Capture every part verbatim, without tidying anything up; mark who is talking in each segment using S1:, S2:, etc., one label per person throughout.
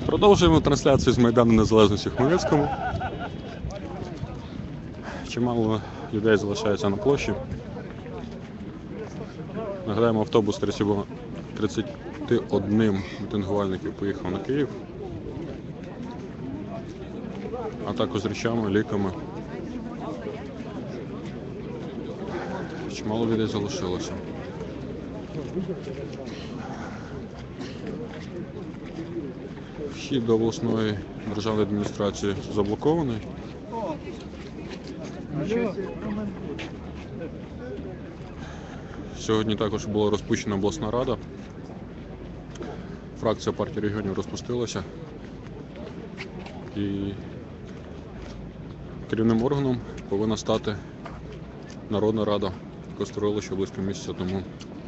S1: Продовжуємо трансляцію з Майдану Незалежності в Хмельницькому. Чимало людей залишається на площі. Нагадаємо, автобус тридцять один мітингувальників поїхав на Київ, а також з речами, ліками. Чимало людей залишилося. Вхід до обласної державної адміністрації заблокований. Сьогодні також була розпущена обласна рада. Фракція партії регіонів розпустилася. І керівним органом повинна стати Народна рада, яку створили ще близько місяця тому.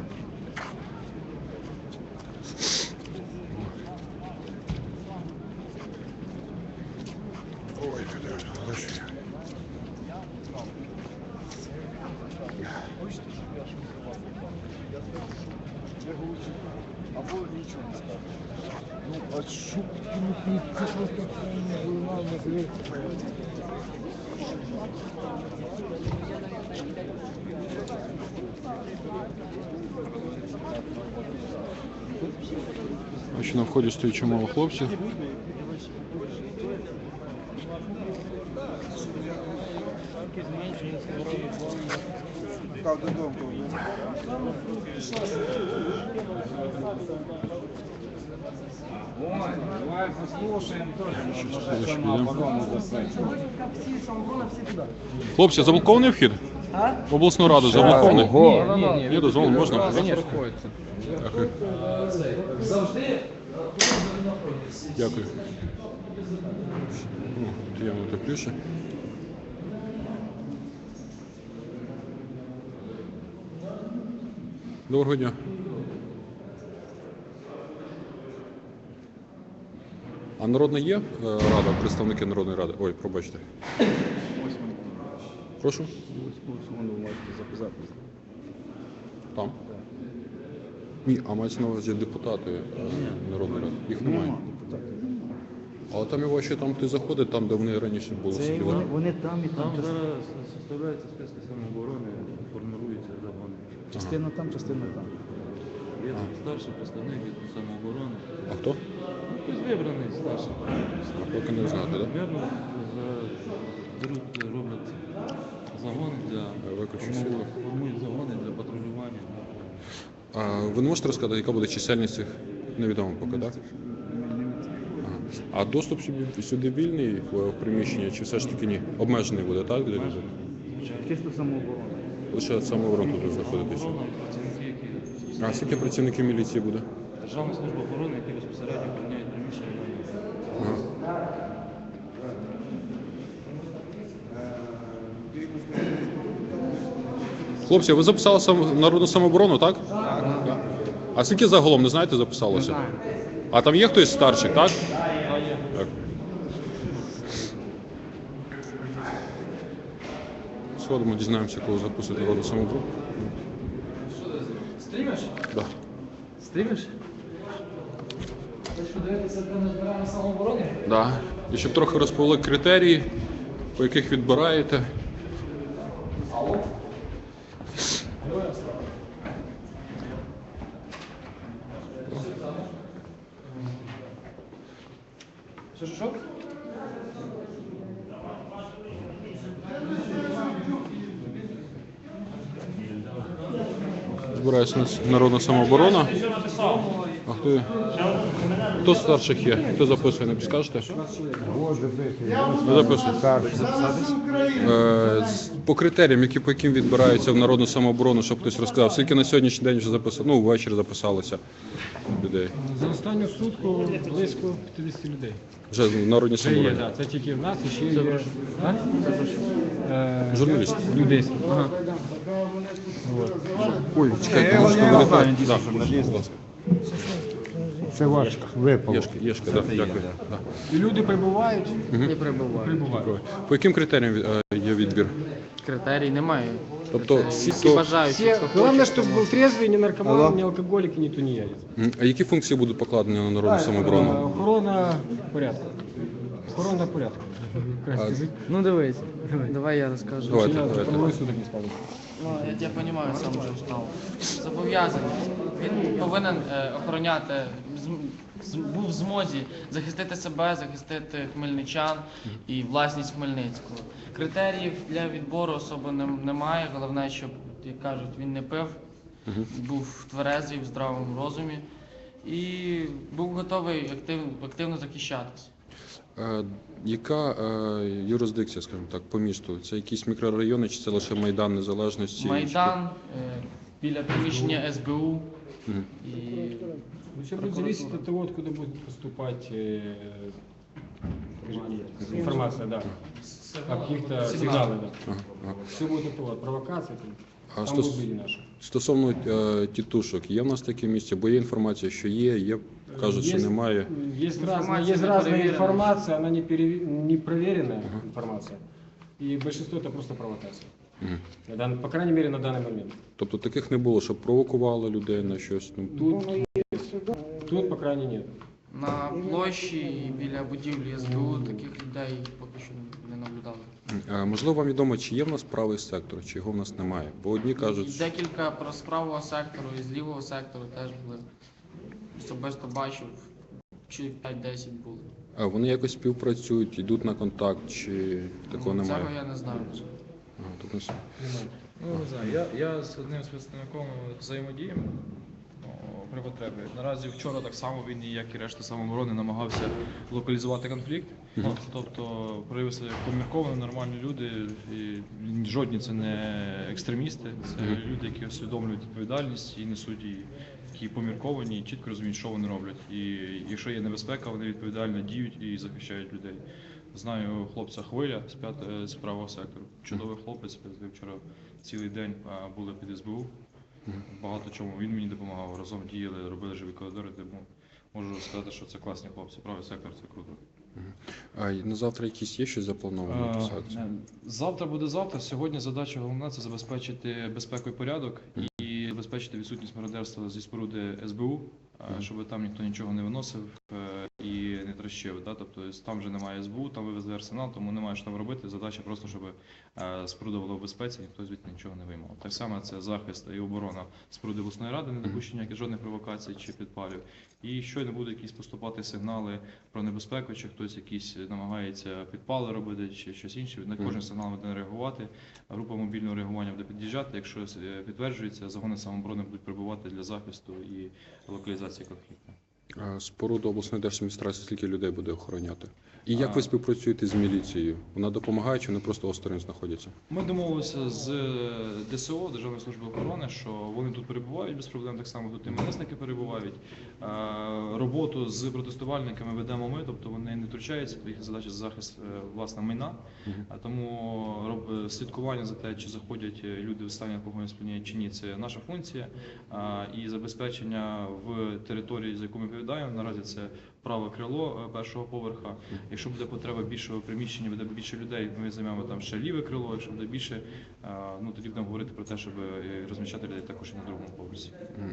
S2: Або нічого не скажеш. Ну, а що ти просто виливав на злі?
S1: Ось на вході стоїть чимало хлопців.
S2: Как додому?
S3: Ой, давай послушаем тоже.
S1: Хлопці, заблокований вхід?
S4: А?
S1: В обласну раду заблокований?
S4: Ні, ні, ні.
S1: Є дозволено, можна?
S4: Конечно.
S1: Дякую. Дякую. Ну, тут явно тепліше. Доброго дня. А народна є е, рада, представники Народної ради? Ой, пробачте. Прошу? Там? Ні, а мається на увазі депутати е, Народної ради. Їх немає. Але там і ваші, там ти заходить, там, де вони раніше були.
S4: Це
S1: сиділи.
S4: вони, вони там і там.
S5: Там зараз составляються списки самооборони, формируються загони.
S4: Частина там, частина там.
S5: Є там старший представник від самооборони.
S1: А хто?
S5: Ну, хтось вибраний старший.
S1: А поки не знати, так?
S5: Примерно беруть, роблять загони для
S1: Виключно
S5: формують-
S1: світло.
S5: формують загони для патрулювання.
S1: А ви не можете розказати, яка буде чисельність цих? Невідомо поки, так? Ага. А доступ сюди, сюди вільний в приміщення, чи все ж таки ні? Обмежений буде, так? Для людей?
S4: Чисто самооборона.
S1: Лише самооборон тут знаходитися.
S5: Охорона, працівники, які
S1: А скільки працівників міліції буде?
S5: Державна служба охорони, які безпосередньо охороняють приміщення.
S1: Ага. Хлопці, ви записали сам... народну самооборону, так? Так. А скільки загалом, не знаєте, записалося? А там є хтось старший, так? Так. Сходимо, дізнаємося, коли записують народну самооборону.
S4: Стрімиш?
S1: Да.
S4: Стрімиш? Ви що дивитеся, де ми збираємо самооборони?
S1: Да. І щоб трохи розповіли критерії, по яких відбираєте.
S4: Що, що, що?
S1: Збирається нас народна самооборона. А хто, хто з старших є? Хто записує, не підскажете? Ви записуєте? Е, з- По критеріям, які, по яким відбираються в народну самооборону, щоб хтось розказав, скільки на сьогоднішній день вже записали, ну, ввечері записалося людей.
S6: За останню сутку близько п'ятдесят людей.
S1: Вже в народній
S6: Це є,
S1: самообороні.
S6: да. Це тільки в нас і ще є. А? Е,
S1: Журналіст.
S6: Людей. Ага.
S1: Ой, чекайте, можете
S6: я
S1: мене
S6: знаю,
S1: так? Да, будь ласка.
S2: Це ваш випало.
S1: Єшки, єшки, да, дякую. Да.
S6: І люди прибувають.
S1: Мгм.
S6: Прибувають.
S1: По яким критеріям е, є відбір?
S6: критерій немає.
S1: Тобто
S6: Це
S1: всі,
S6: всі
S1: хто-
S6: бажаючі,
S2: Все,
S6: хто
S2: главное,
S6: хоче,
S2: чтобы
S6: хто
S2: был трезвый, не наркоман,
S7: Алло.
S2: не алкоголик и не тунеядец.
S1: М, А які функції будуть покладені на народну
S2: Е,
S1: самооборону?
S2: Охорона порядку. Охорона порядку.
S1: А,
S6: Ну дивись, давай я розкажу.
S1: Давайте,
S2: Я
S1: давайте.
S2: двое суток не спал.
S6: Ну, я тебе розумію, сам вже встав. Зобов'язаний. Він повинен е, охороняти, з- з- був в змозі захистити себе, захистити хмельничан і власність Хмельницького. Критеріїв для відбору особи нем- немає. Головне, щоб, як кажуть, він не пив, був тверезий, в здравому розумі і був готовий актив, активно захищатися.
S1: Е, Яка е, юрисдикція, скажімо так, по місту? Це якісь мікрорайони чи це лише Майдан Незалежності?
S6: Майдан е, біля приміщення ес бе у
S1: Мгм.
S6: і
S2: Ну, все будет зависеть от того, откуда будет поступать э, скажем, информация, да. О каких-то сигналах, да.
S1: Ага, ага.
S2: Все будет от того, от провокации. Там,
S1: А
S2: там
S1: стос-
S2: будут люди наши.
S1: Стосовно е, тітушок, є в нас таке місце, бо є інформація, що є, є, кажуть, що
S2: Есть-
S1: немає.
S2: Есть
S6: Информация
S2: разная, есть
S6: не
S2: разная
S6: проверенная.
S2: информация, она не, пере- не проверенная информация. И большинство это просто провокация.
S1: Мгм.
S2: На дан- По крайней мере, на данный момент.
S1: Тобто таких не було, щоб провокували людей на щось. Ну,
S2: Тут, тут по крайней нет.
S6: на площі і біля будівлі ес бе у таких людей поки що не наблюдали.
S1: е, можливо, вам відомо, чи є в нас правий сектор, чи його в нас немає. Бо одні кажуть,
S6: І
S1: що
S6: декілька про з правого сектору і з лівого сектору теж були. Особисто бачив, чи п'ять-десять були.
S1: а, вони якось співпрацюють, йдуть на контакт, чи такого
S6: Ну,
S1: немає.
S6: Цього я не знаю.
S1: Ага, тут не с-
S5: Ну, не знаю, я, я з одним з представником взаємодіємо ну, при потребі. Наразі вчора так само він, як і решта самооборони, намагався локалізувати конфлікт. Ну, тобто проявилися помірковані, нормальні люди, і жодні це не екстремісти, це люди, які усвідомлюють відповідальність і несуть її, які помірковані і чітко розуміють, що вони роблять. І якщо є небезпека, вони відповідально діють і захищають людей. Знаю хлопця Хвиля з п'ят- з правого сектору. Чудовий хлопець. Ми вчора цілий день а, були під ес бе у. Багато чому він мені допомагав. Разом діяли, робили живі коридори. Тому можу сказати, що це класні хлопці. Правий сектор це круто.
S1: А і на завтра якісь є щось заплановано? якісь
S5: Е,
S1: акції?
S5: Завтра буде завтра. Сьогодні задача головна це забезпечити безпеку і порядок і забезпечити відсутність мародерства зі споруди ес бе у, е, щоб там ніхто нічого не виносив е, і не трощив. Да? Тобто там вже немає ес бе у, там вивезли арсенал, тому немає що там робити. Задача просто, щоб е, споруда була в безпеці, ніхто звідти нічого не виймав. Так само це захист і оборона споруди обласної ради, не допущення жодних провокацій чи підпалів. І щойно будуть якісь поступати сигнали про небезпеку, чи хтось якісь намагається підпали робити, чи щось інше. На кожен сигнал буде реагувати. Група мобільного реагування буде під'їжджати. Якщо е, підтверджується, загони самооборони будуть прибувати для захисту і локалізації конфлікту.
S1: А споруду обласної держадміністрації скільки людей буде охороняти? І як
S5: А.
S1: ви співпрацюєте з міліцією? Вона допомагає чи вони просто осторонь знаходяться?
S5: Ми домовилися з де се о, Державної служби охорони, що вони тут перебувають без проблем, так само тут і МНСники перебувають. Е, Роботу з протестувальниками ведемо ми, тобто вони не втручаються, їх задача захист е, власне майна. А тому роб- слідкування за те, чи заходять люди в стані алкогольного сп'яніння чи ні, це наша функція. А, І забезпечення в території, за яку ми відповідаємо, наразі це праве крило е, першого поверха. Якщо буде потреба більшого приміщення, буде більше людей, ми займемо там ще ліве крило. Якщо буде більше, е, ну тоді будемо говорити про те, щоб е, розміщати людей також і на другому поверсі.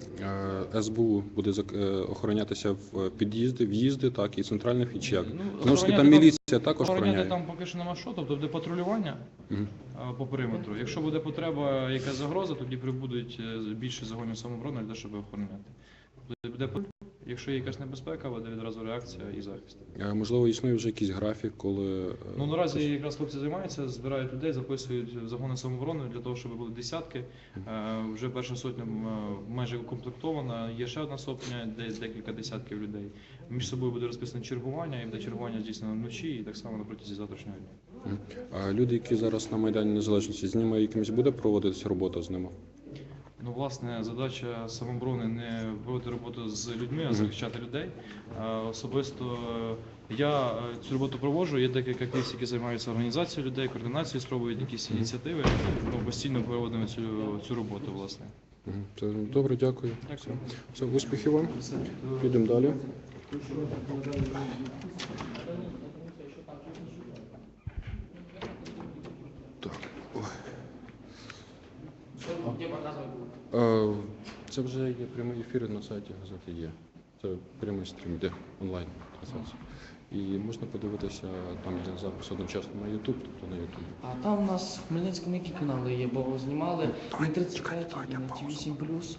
S1: Е, ес бе у буде зак- е, охоронятися в під'їзди, в'їзди, так, і центральний вхід, чи як?
S5: Ну,
S1: Тому що там
S5: охороняти там-
S1: міліція також
S5: Охороняти
S1: охороняє.
S5: там поки що нема що, тобто буде патрулювання
S1: Мгм.
S5: е, по периметру. Якщо буде потреба, яка загроза, тоді прибудуть е, більше загонів самооборони для того, щоб охороняти. Буде- Буде патруль. Якщо є якась небезпека, буде відразу реакція і захист.
S1: Е, Можливо, існує вже якийсь графік, коли... е,
S5: Ну наразі якраз хлопці займаються, збирають людей, записують в загони самооборони для того, щоб були десятки. Е, Вже перша сотня м, е, майже укомплектована. Є ще одна сотня, де декілька десятків людей. Між собою буде розписане чергування, і буде чергування здійснено вночі, і так само на протязі завтрашнього дня.
S1: Мгм. А люди, які зараз на Майдані Незалежності, з ними якимось буде проводитися робота з ними?
S5: Ну, власне, задача самооборони не проводити роботу з людьми, а захищати людей. Е, Особисто е, я е, цю роботу проводжу. Є декілька активістів, які займаються організацією людей, координацією, спробують якісь ініціативи. Ну, постійно проводимо цю, цю роботу, власне.
S1: Мгм. Це добре, дякую.
S5: Дякую.
S1: Все, успіхів вам. Підемо далі. Так. Ой. Е, Це вже є прямий ефір на сайті газети є. Це прямий стрім, де онлайн трансляція. І можна подивитися, там є запис одночасно на YouTube, тобто на YouTube.
S6: А там у нас в Хмельницькому які канали є, бо знімали на тридцять п'ять, на Ті вісім плюс.